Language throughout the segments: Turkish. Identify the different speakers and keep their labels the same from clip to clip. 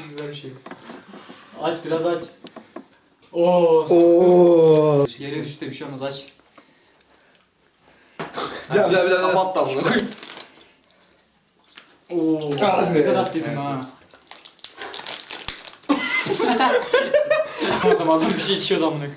Speaker 1: Güzel bir şey. Aç biraz aç. Oo. Yere düştü bir şey olmaz aç.
Speaker 2: Bir
Speaker 3: Kapat da bunu.
Speaker 1: Oo. Güzel at dedim ha. Tamam adam bir şey içiyordu amına.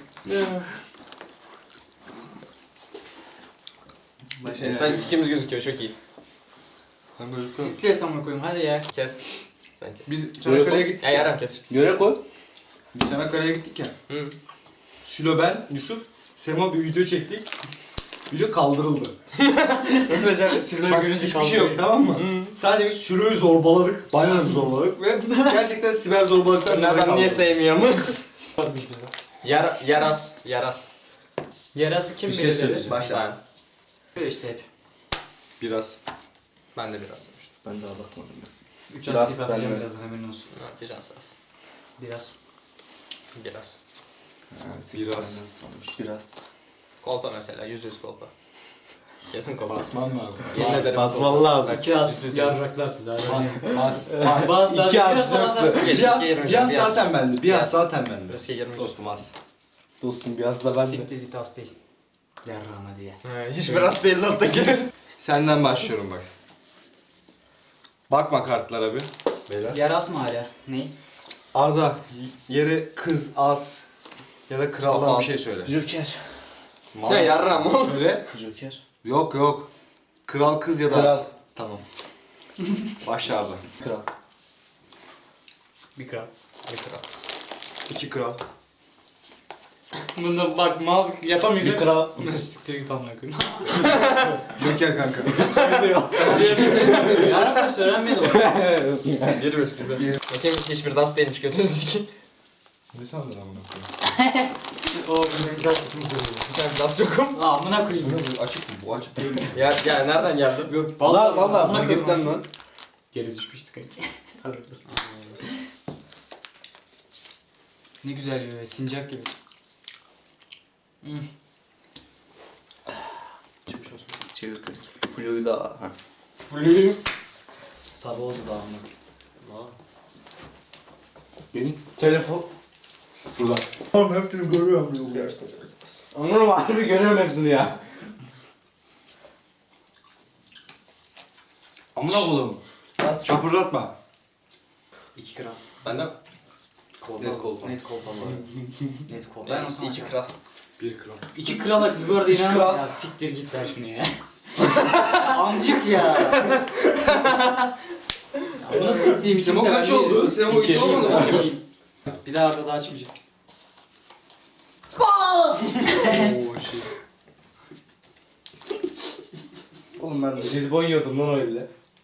Speaker 3: Sadece sikimiz gözüküyor çok iyi.
Speaker 1: Kes amına koyayım hadi ya.
Speaker 3: Kes. Sen kes.
Speaker 2: Biz Çanakkale'ye gittik.
Speaker 3: Ya yaram kes.
Speaker 4: Göre koy.
Speaker 2: Biz Çanakkale'ye gittik ya.
Speaker 3: Hı.
Speaker 2: Sülo, ben, Yusuf, Sema bir video çektik. Video kaldırıldı.
Speaker 3: Nasıl becerdin?
Speaker 1: Sizleri
Speaker 2: Bak
Speaker 1: görünce
Speaker 2: hiçbir şey yok, tamam mı? Sadece biz Sülo'yu zorbaladık. Bayağı bir zorbaladık ve gerçekten siber zorbaladıktan
Speaker 3: Nereden niye sevmiyor mu?
Speaker 1: Bakmış bize.
Speaker 3: Yaras.
Speaker 1: Yarası kim
Speaker 4: Bir şey
Speaker 1: belirledi?
Speaker 4: söyleyeceğim.
Speaker 2: Başla.
Speaker 1: Böyle işte hep.
Speaker 2: Biraz.
Speaker 3: Ben de biraz demiştim.
Speaker 4: Ben daha bakmadım ya.
Speaker 1: 3
Speaker 4: Biraz
Speaker 1: astik atacağım
Speaker 4: ben de.
Speaker 1: birazdan hemen olsun.
Speaker 3: Biraz saf.
Speaker 1: Biraz.
Speaker 3: Biraz.
Speaker 2: Biraz.
Speaker 4: Biraz.
Speaker 3: Kolpa mesela. %100 kolpa. Kesin kolpa.
Speaker 2: Basman lazım.
Speaker 3: Yemin ederim
Speaker 4: Basman
Speaker 3: kolpa.
Speaker 4: lazım.
Speaker 3: Bak,
Speaker 1: İki az
Speaker 3: %100
Speaker 1: yarraklar size hadi.
Speaker 2: Bas.
Speaker 1: Bas lan,
Speaker 4: İki az
Speaker 1: biraz
Speaker 4: yoktu.
Speaker 1: bas.
Speaker 3: Geç,
Speaker 2: Biraz,
Speaker 3: riske girmeyeceğim,
Speaker 2: biraz
Speaker 3: biraz.
Speaker 2: zaten bende. Biraz zaten bende.
Speaker 3: Riske girmeyeceğim.
Speaker 2: Dostum az.
Speaker 4: Dostum biraz da ben de.
Speaker 1: Siktir git az değil. Yarrağıma diye.
Speaker 3: Hiç biraz değil lan Tekin.
Speaker 2: Senden başlıyorum bak. Bakma kartlara bir. Beyler.
Speaker 1: Yaras mı hala? Ne?
Speaker 2: Arda, yere kız, az ya da kraldan
Speaker 3: Az.
Speaker 2: bir şey söyle.
Speaker 4: Joker.
Speaker 2: Mal
Speaker 3: Ya yarram oğlum.
Speaker 2: Söyle.
Speaker 4: Joker.
Speaker 2: Yok. Kral, kız ya da
Speaker 4: Kral.
Speaker 2: az. Tamam. Başla Arda.
Speaker 4: Kral.
Speaker 1: Bir kral.
Speaker 3: Bir kral.
Speaker 2: 2 kral.
Speaker 1: Bunda bak mal yapamayacak.
Speaker 4: Bir kral.
Speaker 1: Siktir git amına koyayım.
Speaker 2: Joker kanka.
Speaker 1: Yarraklar söylenmedi o.
Speaker 3: 1-1 güzel. Bakayım hiçbir das değilmiş götünüzü sikeyim.
Speaker 2: Ne sandın amına
Speaker 1: O benim güzel çıkmış oluyor.
Speaker 3: Bir tane das yokum.
Speaker 1: Aa amına koyayım.
Speaker 2: koyayım? Bu açık mı? Bu açık değil mi?
Speaker 3: Ya nereden geldi?
Speaker 1: Yok
Speaker 4: Valla
Speaker 1: amına koyayım
Speaker 4: marketten
Speaker 1: aslında.
Speaker 4: lan.
Speaker 1: Geri düşmüştük kanki. Haklısın. Ne güzel yiyor, sincap gibi.
Speaker 4: Çıkmış olsun. Çevir kanki. Flu'yu da ha.
Speaker 1: Fulüyüm. Sabah oldu daha amına.
Speaker 4: Benim telefon.
Speaker 2: Burada. Oğlum hepsini görüyorum.
Speaker 4: Anladım harbi görüyorum hepsini ya.
Speaker 2: Amına koyayım. Çapırdatma.
Speaker 1: 2 kral.
Speaker 3: Ben de
Speaker 1: Kolpa.
Speaker 3: Net kolpa.
Speaker 1: Net kolpa var. Net kolpa. Ben o zaman
Speaker 3: 2 kral.
Speaker 2: 1 kral.
Speaker 1: 2 krala bu arada
Speaker 4: Üç
Speaker 1: inanamam.
Speaker 4: kral.
Speaker 1: Ya siktir git ver şunu ya. Amcık ya. Ya bunu siktiğim için
Speaker 2: Semo kaç oldu? Semo 3 olmadı mı?
Speaker 1: Bir daha arada da açmayacağım.
Speaker 2: Oo şey.
Speaker 4: Oğlum ben de jelibon yiyordum lan öyle.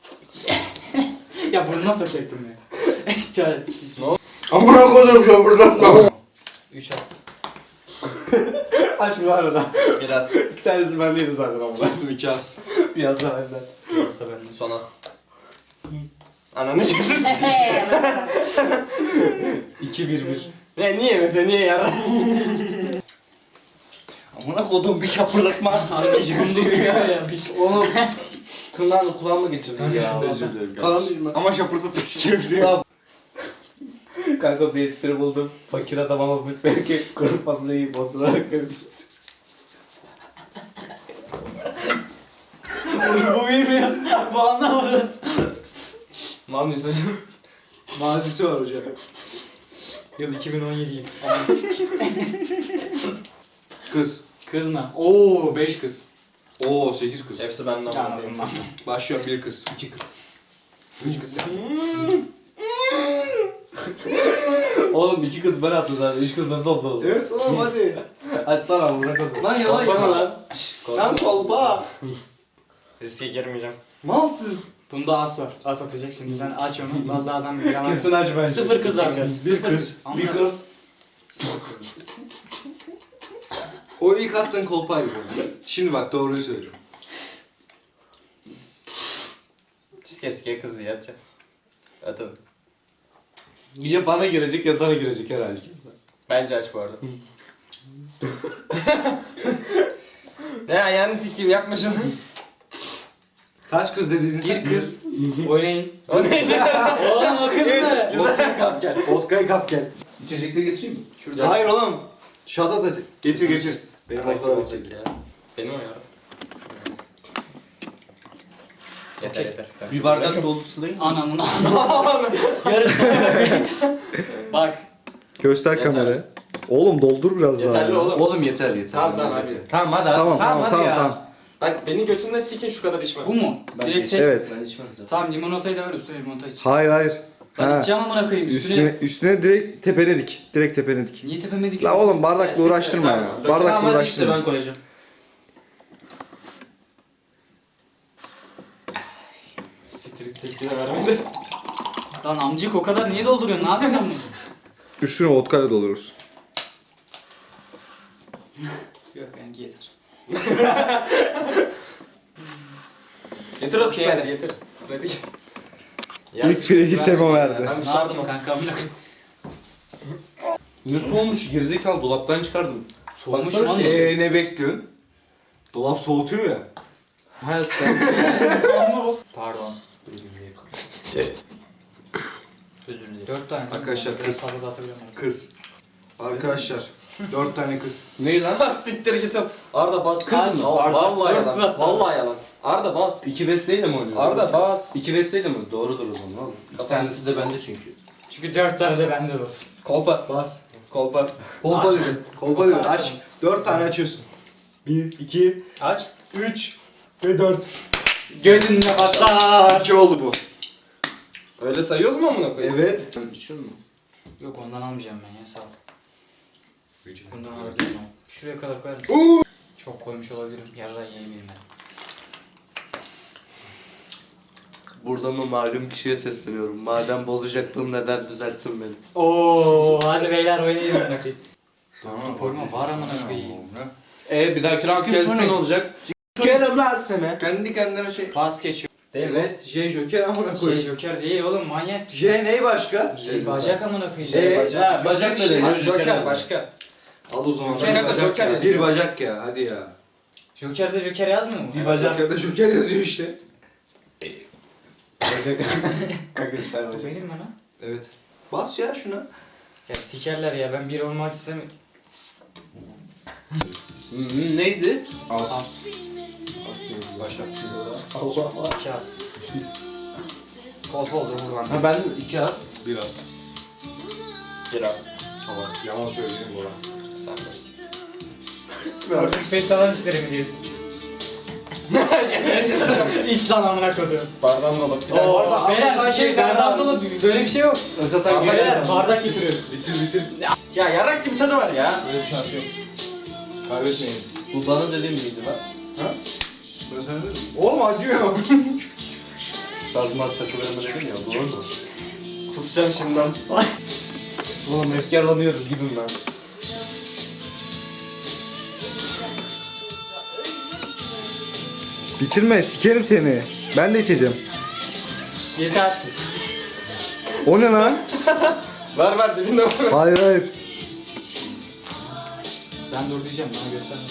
Speaker 1: Ya burnuna sokacaktım ya. Çaresiz.
Speaker 2: Amına koyayım çapırdatma.
Speaker 3: 3 az.
Speaker 4: Aç bu arada.
Speaker 3: Biraz.
Speaker 4: 2 tanesi bendeydi zaten ama.
Speaker 2: Dostum 2 az.
Speaker 4: Biraz daha benden.
Speaker 1: Biraz da bende.
Speaker 3: Son az. Ananı götür.
Speaker 4: 2-1-1.
Speaker 3: Ne niye mesela niye yarar?
Speaker 4: Amına kodum bir şapırdatma artık.
Speaker 1: ya.
Speaker 4: Oğlum tırnağını kulağıma geçirdin ya.
Speaker 2: Özür dilerim
Speaker 4: Kalan
Speaker 2: kardeşim.
Speaker 4: değil mi?
Speaker 2: Ama şapırdatıp sikerim seni.
Speaker 4: Tamam. Kanka bir espri buldum. Fakir adam ama biz belki kuru fasulyeyi basırarak veririz.
Speaker 1: Bu bilmiyor. Bu anlamadı.
Speaker 3: Mal mıyız hocam?
Speaker 2: Mazisi var hocam.
Speaker 1: Yıl 2017'yim.
Speaker 2: Kız.
Speaker 1: Kız mı? Oo 5 kız.
Speaker 2: Oo 8 kız.
Speaker 3: Hepsi benden
Speaker 1: Ya
Speaker 3: bana.
Speaker 1: ağzından.
Speaker 2: Başlıyorum 1 kız. 2 kız. 3 kız geldi.
Speaker 4: Oğlum 2 kız ben attım zaten. 3 kız nasıl oldu olsun?
Speaker 2: Evet oğlum hadi.
Speaker 4: Açsana amına kodum.
Speaker 2: Lan yalan
Speaker 1: Bana
Speaker 2: ya.
Speaker 1: lan.
Speaker 2: Lan kolpa.
Speaker 3: Riske girmeyeceğim.
Speaker 2: Malsın.
Speaker 1: Bunda as var. As atacak şimdi. Sen aç onu. Vallahi adam yalan.
Speaker 4: Kesin aç bence.
Speaker 1: 0 kız alacağız.
Speaker 2: Bir
Speaker 1: Sıfır
Speaker 2: kız.
Speaker 1: Amına
Speaker 4: Bir kız.
Speaker 2: O ilk attığın kolpaydı. Şimdi bak doğruyu söylüyorum.
Speaker 3: Riske kızı yatacak. Atın.
Speaker 4: Ya bana girecek ya sana girecek herhalde.
Speaker 3: Bence aç bu arada. Ne ayağını sikeyim yapma şunu.
Speaker 2: Kaç kız dediğin sen?
Speaker 1: Bir kız. Oynayın.
Speaker 3: O neydi?
Speaker 1: Oğlum o kız mı?
Speaker 2: Vodka'yı kap gel. Vodka'yı kap gel.
Speaker 4: İçecekleri getireyim mi?
Speaker 3: Şurada.
Speaker 2: Hayır oğlum. Şat atacak. Getir getir. Benim
Speaker 3: Benim
Speaker 2: vodka'da
Speaker 3: olacak ya. Benim o ya. Yeter yeter.
Speaker 4: Bir bardak dolusu değil mi?
Speaker 1: Ananın yarısı. Bak.
Speaker 5: Göster
Speaker 3: Yeter.
Speaker 5: kamerayı. Oğlum doldur biraz daha.
Speaker 3: Yeterli
Speaker 5: ya.
Speaker 3: oğlum.
Speaker 4: Oğlum yeter yeter.
Speaker 3: Tamam tamam hadi.
Speaker 4: Tamam hadi
Speaker 5: Tamam tamam
Speaker 4: hadi
Speaker 5: tamam
Speaker 4: ya.
Speaker 5: tamam.
Speaker 3: Bak beni götümden sikin şu kadar içme.
Speaker 1: Bu mu?
Speaker 4: Ben
Speaker 1: Direkt seç.
Speaker 5: Evet.
Speaker 4: Ben içmem zaten.
Speaker 1: Tamam limonatayı da ver üstüne limonata iç.
Speaker 5: Hayır hayır.
Speaker 1: Ben
Speaker 5: Ha.
Speaker 1: içeceğim amına koyayım üstüne.
Speaker 5: Üstüne direkt tepene dik. Direkt tepene dik.
Speaker 1: Niye tepeme dikiyorsun?
Speaker 5: La oğlum bardakla
Speaker 3: siktir,
Speaker 5: uğraştırma
Speaker 3: tamam.
Speaker 5: ya.
Speaker 3: Dök-
Speaker 5: Bardakla
Speaker 4: Tamam hadi işte
Speaker 5: uğraştırma.
Speaker 4: ben koyacağım.
Speaker 3: Siktir tepki de vermedi.
Speaker 1: Lan amcık o kadar niye dolduruyorsun? Ne yapıyorsun bunu?
Speaker 5: Üstüne vodkayla doldururuz.
Speaker 1: Yok benimki yeter.
Speaker 3: Getir o
Speaker 1: Okey,
Speaker 3: Sprite'i
Speaker 1: hadi.
Speaker 3: getir. Sprite'i getir.
Speaker 5: İlk Freddy Semo verdi.
Speaker 3: Ben bir
Speaker 1: Ne
Speaker 3: sardım
Speaker 1: yapayım
Speaker 3: o.
Speaker 1: kanka amına koyayım?
Speaker 4: Ne soğumuş gerizekalı dolaptan çıkardım.
Speaker 1: Soğumuş
Speaker 4: Baksana
Speaker 1: lan
Speaker 4: şey-
Speaker 1: işte.
Speaker 2: Ne bekliyorsun? Dolap soğutuyor ya.
Speaker 4: Ha sen.
Speaker 1: Pardon. Özür dilerim. 4 tane.
Speaker 2: Arkadaşlar,
Speaker 1: Biraz
Speaker 2: kız.
Speaker 1: fazla da atabilirim.
Speaker 2: Kız. Arkadaşlar. 4 tane kız.
Speaker 4: Ne lan?
Speaker 3: Siktir git. Arda bas.
Speaker 4: Kız mı?
Speaker 3: Vallahi
Speaker 1: Dört
Speaker 3: yalan.
Speaker 1: zaten.
Speaker 3: Vallahi yalan. Arda bas.
Speaker 4: İki besteyle mi oynuyor?
Speaker 3: Arda bas.
Speaker 4: İki besteyle mi? Doğrudur o zaman oğlum. İki
Speaker 3: Kafası.
Speaker 4: tanesi de bende çünkü.
Speaker 1: Çünkü 4 tane de bende olsun.
Speaker 3: Kolpa.
Speaker 2: Bas.
Speaker 3: Kolpa.
Speaker 2: Kolpa dedim. Kolpa dedim.
Speaker 1: Aç.
Speaker 2: Aç. 4 tane açıyorsun. 1, 2,
Speaker 3: Aç.
Speaker 2: 3 ve 4.
Speaker 1: Gözünle patlar.
Speaker 2: 2 oldu bu.
Speaker 3: Öyle sayıyoruz mu amına koyayım?
Speaker 2: Evet.
Speaker 4: Sen içiyor musun?
Speaker 1: Yok ondan almayacağım ben ya sağ ol. Bundan alabilirim ama. Şuraya kadar koyar mısın? Çok koymuş olabilirim. Yarra yiyebilirim ben.
Speaker 4: Buradan o malum kişiye sesleniyorum. Madem bozacaktın neden düzelttin beni?
Speaker 1: Oo, hadi beyler oynayın amına koyayım. Dörtlü koyma var amına koyayım.
Speaker 4: Bir dahaki round
Speaker 2: Sıkın
Speaker 4: gelirse
Speaker 2: sonra-
Speaker 4: ne olacak? Sikerim lan seni.
Speaker 2: Kendi kendine şey.
Speaker 1: Pas geçiyor.
Speaker 2: Evet. J Joker amına
Speaker 1: Şey
Speaker 2: koy.
Speaker 1: Joker değil oğlum manyak.
Speaker 2: J ne başka?
Speaker 1: Şey bacak amına koyayım.
Speaker 2: Şey,
Speaker 1: bacak.
Speaker 4: Bacak da
Speaker 2: işte.
Speaker 4: değil.
Speaker 3: Abi Joker başka.
Speaker 2: Al o zaman.
Speaker 3: Joker'de
Speaker 2: Bir bacak
Speaker 3: Joker
Speaker 2: ya.
Speaker 3: yazıyor.
Speaker 2: Bir bacak ya. Hadi ya.
Speaker 1: Joker'de Joker yazmıyor mu?
Speaker 4: Bir bacak.
Speaker 2: Joker'de Joker yazıyor işte.
Speaker 4: Bacak. Kanka bir tane
Speaker 1: Bu
Speaker 4: bacak.
Speaker 1: benim mi lan?
Speaker 2: Evet. Bas ya şuna.
Speaker 1: Ya sikerler ya ben bir olmak istemiyorum.
Speaker 4: Neydi?
Speaker 1: As.
Speaker 2: Başak.
Speaker 1: Allah. 2 as. Kolpa oldu buradan.
Speaker 4: Ha ben iki at.
Speaker 2: Biraz.
Speaker 3: Biraz.
Speaker 2: Yalan söyleyeyim bu arada.
Speaker 3: Sen de.
Speaker 1: Artık pes alan isterim diyorsun. İç lan amına koyduğum.
Speaker 3: Bardağın dolup. Bir
Speaker 1: Oo,
Speaker 3: daha.
Speaker 1: beyler bir şey bardak dolu böyle bir şey yok.
Speaker 4: Zaten
Speaker 1: Beyler bardak getiriyorum.
Speaker 2: Bitir.
Speaker 3: Ya yarak gibi tadı var ya.
Speaker 2: Böyle bir şans yok. Kaybetmeyin.
Speaker 4: Bu bana dediğim miydi lan?
Speaker 2: Ben sana dedim. Oğlum acıyor.
Speaker 4: Sazma takılarımı dedim ya doğru mu?
Speaker 3: Kusacağım şimdiden.
Speaker 4: Oğlum efkarlanıyoruz gidin lan.
Speaker 5: Bitirme sikerim seni. Ben de içeceğim.
Speaker 1: Yeter.
Speaker 5: O ne lan?
Speaker 3: Ver dibinde var.
Speaker 5: Hayır hayır.
Speaker 1: Ben dur diyeceğim bana göstermem.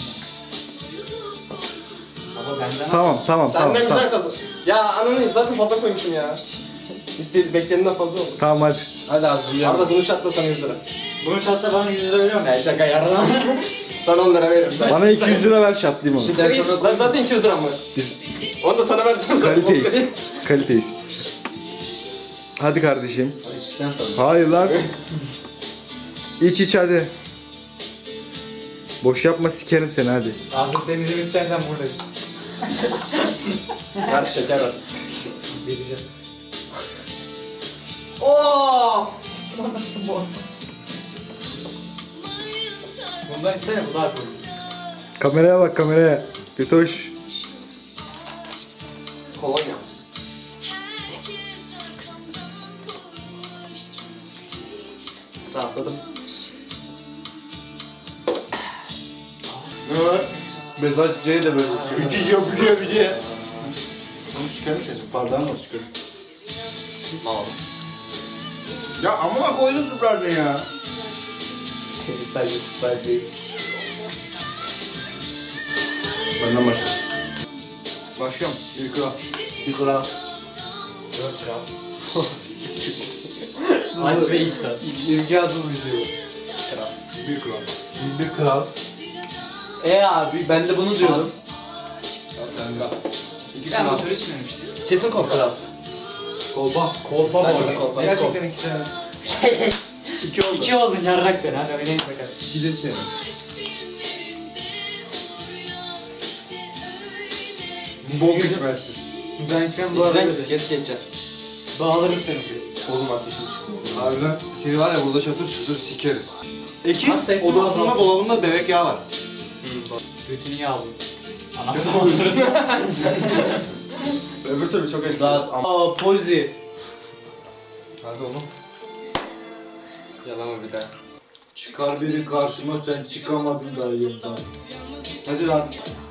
Speaker 1: Baba benden
Speaker 5: Tamam tamam
Speaker 3: Sen
Speaker 5: tamam
Speaker 3: ne güzel
Speaker 5: tamam.
Speaker 3: tadı. Ya ananı zaten fazla koymuşum ya. İstediğin beklenenden fazla oldu.
Speaker 5: Tamam hadi.
Speaker 4: Hadi hazırlayalım.
Speaker 3: Arda bunu şatla sana 100 lira.
Speaker 1: Bunu şatta bana 100 lira veriyor musun?
Speaker 3: Ya şaka yarına. Sana 10 lira veririm.
Speaker 5: Bana 200 lira ver şatlayayım onu.
Speaker 3: Siktir git. Lan zaten 200 liram var. Onu da sana vereceğim zaten.
Speaker 5: Kaliteyiz. Kaliteyiz. Hadi kardeşim.
Speaker 4: İçten tabii.
Speaker 5: Hayır lan. İç hadi. Boş yapma sikerim seni hadi.
Speaker 1: Ağzını temizlemek istersen buradayım.
Speaker 3: Ver şeker ver.
Speaker 1: Vereceğim.
Speaker 3: Oo!
Speaker 1: Bundan istene bu daha koyu.
Speaker 5: Kameraya bak kameraya. Götoş.
Speaker 3: Kolonya. Rahatladım.
Speaker 2: Ne var?
Speaker 4: Mesaj C'ye de böyle istiyor.
Speaker 2: Bücüyor. Bunu çıkarmış ya. Bardağını mı çıkarıyor?
Speaker 3: Mal.
Speaker 2: Ya amına koydun Sprite'ı ya.
Speaker 4: Sadece Sprite değil. Benden başla.
Speaker 2: Başlıyorum. Bir kral.
Speaker 4: Bir kral.
Speaker 1: 4 kral. Aç ve iç tas.
Speaker 4: İmkansız bir şey.
Speaker 2: Bir kral.
Speaker 4: Bir kral. Abi ben de bunu diyordum.
Speaker 1: Ben motor içmemiştim.
Speaker 3: Kesin kral.
Speaker 2: Kolpa.
Speaker 1: Kolpa
Speaker 3: Ben
Speaker 1: boy.
Speaker 3: şöyle kolpa.
Speaker 2: Gerçekten ikisi.
Speaker 1: 2 oldun yarrak sen hadi oynayın bakalım.
Speaker 2: Silir seni. Bok içmezsin.
Speaker 1: Ben içmem bu arada.
Speaker 3: İçeceksin, geç geçeceksin.
Speaker 1: Bağlarız seni.
Speaker 3: Oğlum ateşim çıkıyor.
Speaker 2: Harbiden seni var ya burada çatır çatır sikeriz. Ekin
Speaker 1: Abi sesli
Speaker 2: odasında
Speaker 1: mi?
Speaker 2: dolabında bebek yağı var.
Speaker 1: Götünü yağlı. Anam zamanları.
Speaker 3: Öbür türlü çok acı.
Speaker 4: Rahat ama. Pozi.
Speaker 2: Hadi oğlum.
Speaker 3: Yalama bir daha.
Speaker 2: Çıkar biri karşıma sen çıkamadın da yıldan. Hadi lan.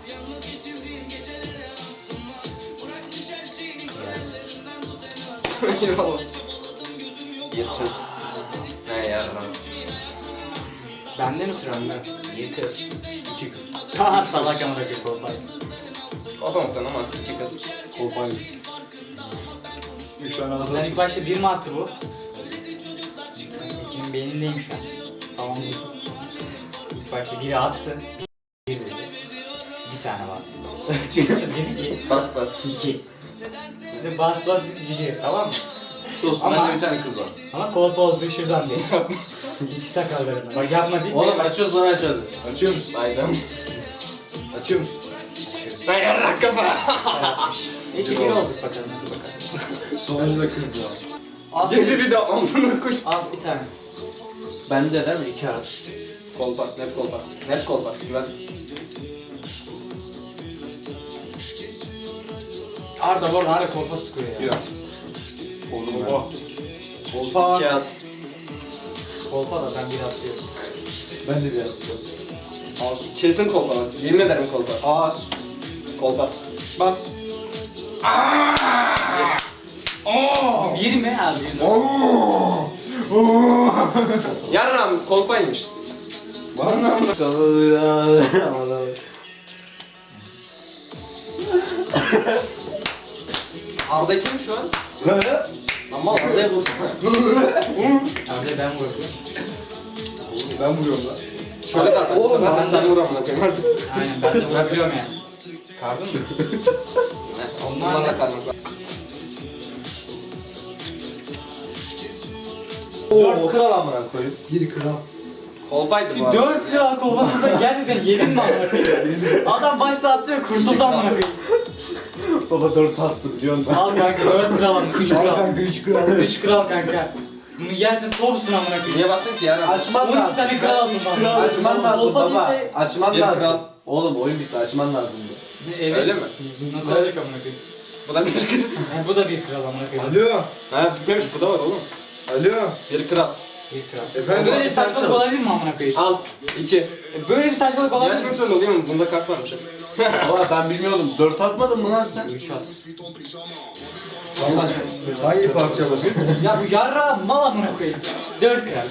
Speaker 3: Bir kız. He yarram.
Speaker 1: Bende mi sıra önde? Bir kız. 2 kız. Ha salak amına koyayım kolpayı.
Speaker 3: O da muhtemelen ama iki kız.
Speaker 2: Kolpayı. 3 tane ağzı.
Speaker 1: Sen ilk başta 1 mi attı bu? İkinin beynindeyim şu an. Tamam değil. İlk başta biri attı. Bir dedi. Bir tane var. Çünkü dedi ki
Speaker 3: Bas bas.
Speaker 1: 2. Şimdi bas bas gidiyor tamam mı?
Speaker 3: Dostum
Speaker 1: Ama-
Speaker 3: bende bir tane kız var.
Speaker 1: Ama kolpa olduğu şuradan diye. Hiç sakallarına. Bak yapma değil mi?
Speaker 4: Oğlum açıyoruz lan aşağıda.
Speaker 2: Açıyor musun?
Speaker 3: Aynen.
Speaker 2: Açıyor musun?
Speaker 3: Ben yarrak kafa.
Speaker 1: Neyse bir olduk bakalım. Hadi bakalım.
Speaker 2: Sonuncu da kızdı
Speaker 1: Az,
Speaker 3: Yedi bir de amına koy.
Speaker 1: az bir tane.
Speaker 4: Bende değil mi? 2 az.
Speaker 3: Kolpa, net kolpa. Net kolpa. Güven.
Speaker 1: Arda bu arada hala kolpa sıkıyor ya.
Speaker 2: Biraz.
Speaker 3: Oğlum
Speaker 2: Kolpa.
Speaker 3: Kolpa. İki az.
Speaker 1: Kolpa da ben biraz diyorum.
Speaker 2: Ben de biraz.
Speaker 3: Kesin kolpa bak. Yemin ederim kolpa.
Speaker 2: Az.
Speaker 3: Kolpa.
Speaker 2: Bas.
Speaker 1: Bir mi abi?
Speaker 3: Yarram kolpaymış.
Speaker 2: Var mı?
Speaker 3: Arda kim şu an? Ama Arda'ya vursana.
Speaker 1: Arda ben vuruyorum.
Speaker 2: Ben vuruyorum lan.
Speaker 3: Şöyle de atar.
Speaker 2: Oğlum,
Speaker 3: Ben
Speaker 2: ben
Speaker 3: sen vur amına koyayım artık.
Speaker 1: Aynen ben de vurabiliyorum yani. Kardın mı?
Speaker 3: Onlar da karnım.
Speaker 4: 4 kral amına koyayım.
Speaker 2: Bir kral.
Speaker 3: Kolpaydı bu arada.
Speaker 1: 4 kral kolpasını sen gerçekten yedin mi amına koyayım? Adam başta attı kurtuldu amına koyayım.
Speaker 4: Baba 4 astı biliyor musun?
Speaker 1: Al kanka 4 kral amına 3 kral.
Speaker 2: Kanka 3 kral.
Speaker 1: 3 kral kanka. Bunu yersin topsun amına koyayım.
Speaker 3: Niye bastın ki yarram?
Speaker 4: Açman
Speaker 1: 12
Speaker 4: lazım.
Speaker 1: tane kral aldın bana.
Speaker 4: Açman lazım
Speaker 1: Kolpa
Speaker 4: baba.
Speaker 1: değilse-
Speaker 4: Açman
Speaker 3: Bir
Speaker 4: lazım.
Speaker 3: kral.
Speaker 4: Oğlum oyun bitti açman lazımdı.
Speaker 1: Evet.
Speaker 3: Öyle mi?
Speaker 1: Nasıl olacak amına koyayım?
Speaker 3: Bu da bir kral.
Speaker 1: Yani bu da bir kral amına koyayım.
Speaker 2: Alo.
Speaker 3: Ha bitmemiş bu da var oğlum.
Speaker 2: Alo.
Speaker 3: Bir kral.
Speaker 1: Bir kral.
Speaker 2: Efendim?
Speaker 1: Böyle bir saçmalık olabilir mi amına koyayım?
Speaker 3: Al. 2.
Speaker 1: Böyle bir saçmalık olabilir mi?
Speaker 3: Yarışmak zorunda oluyor mu? Bunda kart varmış.
Speaker 4: Baba ben bilmiyordum. 4 atmadın mı lan sen?
Speaker 1: 3 at.
Speaker 2: Hangi parça bugün?
Speaker 1: Ya bu yarra mal amına koyayım. 4 kral.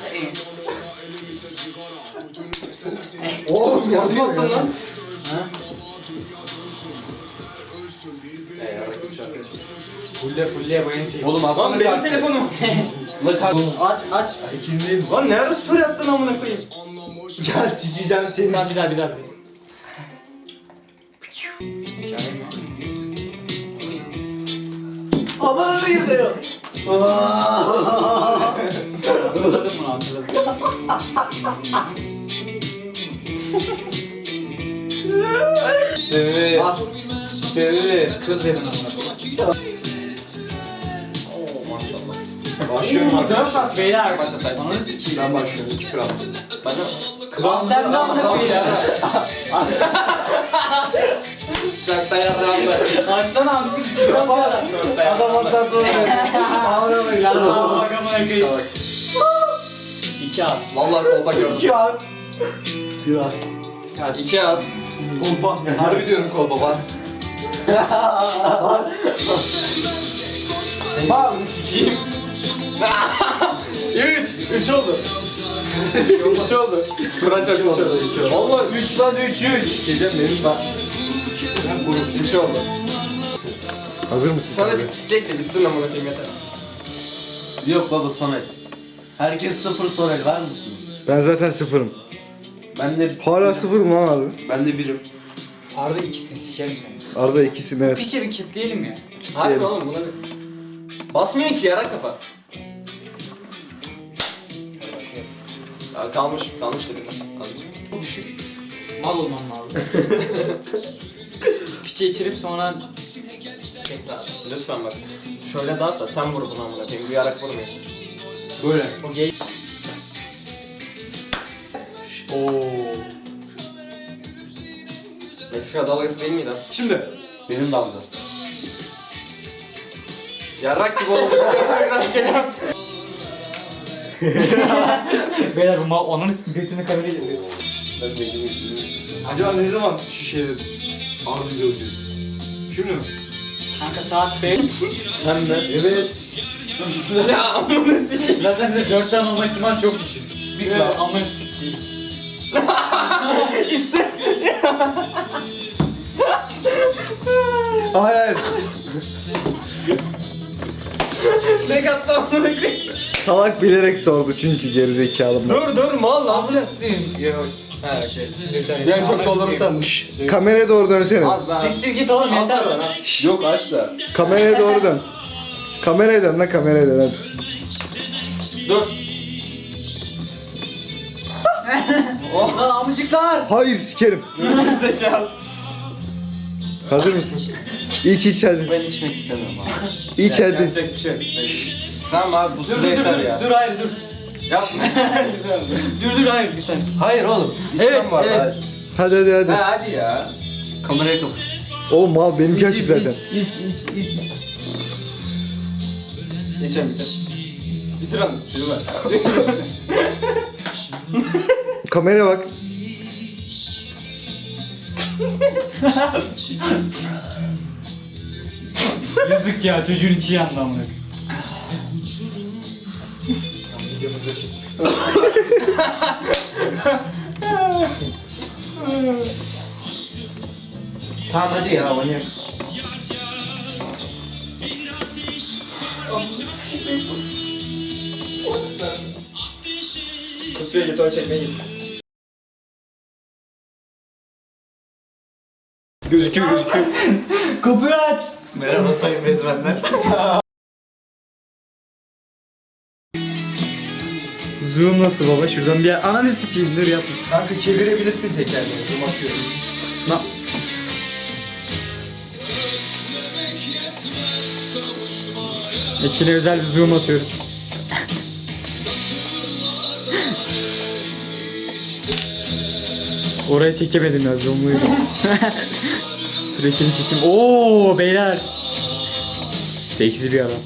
Speaker 2: Oğlum ya.
Speaker 3: Ne attın lan?
Speaker 1: Ha? Fulle bu en sevdiğim.
Speaker 4: Oğlum aslında
Speaker 3: Lan benim telefonum.
Speaker 4: Aç.
Speaker 2: İkinciyim.
Speaker 3: Lan ne ara story attın amına koyayım?
Speaker 2: Ya sikeceğim seni.
Speaker 1: Tamam bir daha. Hikaye mi?
Speaker 4: Aman yıkıyor.
Speaker 1: Hatırladım bunu hatırladım.
Speaker 4: Sevi.
Speaker 2: Bas.
Speaker 4: Sevi.
Speaker 1: Kız dedim amına koyayım.
Speaker 2: Başlıyorum arkadaşlar.
Speaker 1: 4 as beyler.
Speaker 3: Başla say.
Speaker 1: Ananı sikeyim.
Speaker 2: Ben başlıyorum. 2 kral.
Speaker 3: Bana.
Speaker 1: Kral sen de amına koyayım.
Speaker 3: Çakta yarramda.
Speaker 1: Açsana abisi kral var.
Speaker 2: Adam asat olmuyor. Ağır
Speaker 1: Ya bak amına koyayım. 2 as.
Speaker 3: Vallahi kolpa gördüm.
Speaker 2: Biraz. Biraz.
Speaker 3: 2 az.
Speaker 2: Kolpa. Harbi diyorum kolpa bas. Bas. Bas.
Speaker 3: Sikiyim. 3 oldu. 3 oldu. Kur'an çarptı 3 oldu.
Speaker 4: Valla 3 lan 3.
Speaker 2: Gecem benim bak. Ben grup.
Speaker 3: 3 oldu.
Speaker 5: Hazır mısın?
Speaker 3: Sana
Speaker 5: Kamera?
Speaker 3: bir kitlek de bitsin amına koyayım yeter.
Speaker 4: Yok baba son el. Herkes 0 son el var mısınız?
Speaker 5: Ben zaten sıfırım.
Speaker 4: Ben de
Speaker 5: Hala sıfırım lan abi.
Speaker 4: Ben de birim.
Speaker 1: Arda ikisin sikerim seni.
Speaker 5: Arada ikisini evet.
Speaker 1: Piçe bir kitleyelim ya.
Speaker 3: Harbi oğlum buna bir... Basmıyor ki yarak kafa. Aa, kalmış dedim. Azıcık.
Speaker 1: Çok düşük. Mal olmam lazım. Piçe içirip sonra sikek lazım.
Speaker 3: Lütfen bak. Şöyle dağıt da sen vur bunu amına koyayım. Bu yarak vurmuyor.
Speaker 2: Böyle.
Speaker 1: O gay. Oo.
Speaker 3: Meksika dalgası değil miydi?
Speaker 2: Şimdi.
Speaker 4: Benim dalga.
Speaker 3: Yarrak gibi oldu. Çok rastgele.
Speaker 1: Beyler bu mal onun götünü kameraya geliyor.
Speaker 4: Ben de gibi
Speaker 2: Acaba ne zaman şişeyle Arda'yı göreceğiz? Şimdi mi?
Speaker 1: Kanka saat 5.
Speaker 4: Sen de.
Speaker 2: Evet.
Speaker 3: Ya amına sikeyim.
Speaker 1: Zaten de 4 tane olma ihtimali çok düşük. Bir evet. Amına sikeyim.
Speaker 3: İşte.
Speaker 2: Hayır hayır.
Speaker 3: Ne kattı amına koyayım.
Speaker 5: Salak bilerek sordu çünkü gerizekalı.
Speaker 3: Dur mal ne yapacağız?
Speaker 1: Yok.
Speaker 3: Ha okey. Yani çok doldurursan.
Speaker 5: Kameraya doğru dönsene.
Speaker 3: Az daha.
Speaker 1: Siktir git oğlum
Speaker 3: Az
Speaker 1: yeter.
Speaker 3: zaten az.
Speaker 4: Yok aç da.
Speaker 5: Kameraya doğru dön. Kameraya dön lan, kameraya dön hadi.
Speaker 3: Dur.
Speaker 1: Lan amcıklar.
Speaker 5: Hayır sikerim.
Speaker 3: Zekalı.
Speaker 5: Hazır mısın? İç hadi.
Speaker 3: Ben içmek istemiyorum abi.
Speaker 5: İç hadi.
Speaker 3: Yapacak bir şey yok. Tamam abi bu size yeter ya.
Speaker 1: Dur hayır dur.
Speaker 3: Yapma.
Speaker 1: Dur hayır bir saniye.
Speaker 3: Hayır oğlum.
Speaker 1: Evet,
Speaker 3: var
Speaker 1: evet.
Speaker 3: hayır.
Speaker 5: Hadi hadi.
Speaker 3: Ha hadi ya.
Speaker 1: Kameraya kapat.
Speaker 5: Oğlum mal benimki açık zaten.
Speaker 1: İç.
Speaker 3: Geçen bitir. Bitir onu. Bitir lan.
Speaker 5: Kameraya bak.
Speaker 1: Yazık ya çocuğun içi yandı amına.
Speaker 3: Videomuzda çektik.
Speaker 4: Tamam hadi ya oynayalım.
Speaker 3: Kusuya git onu çekmeye git.
Speaker 5: Gözüküyor.
Speaker 1: Kapıyı aç.
Speaker 2: Merhaba sayın bezmenler.
Speaker 1: Zoom nasıl baba? Şuradan bir ananı sikeyim dur yapma.
Speaker 2: Kanka çevirebilirsin tekerleği. Zoom atıyorum.
Speaker 1: Ekine özel bir zoom atıyorum. Oraya çekemedim ya zoom'luydu. Dur ekini çekeyim. Oo beyler. Seksi bir adam.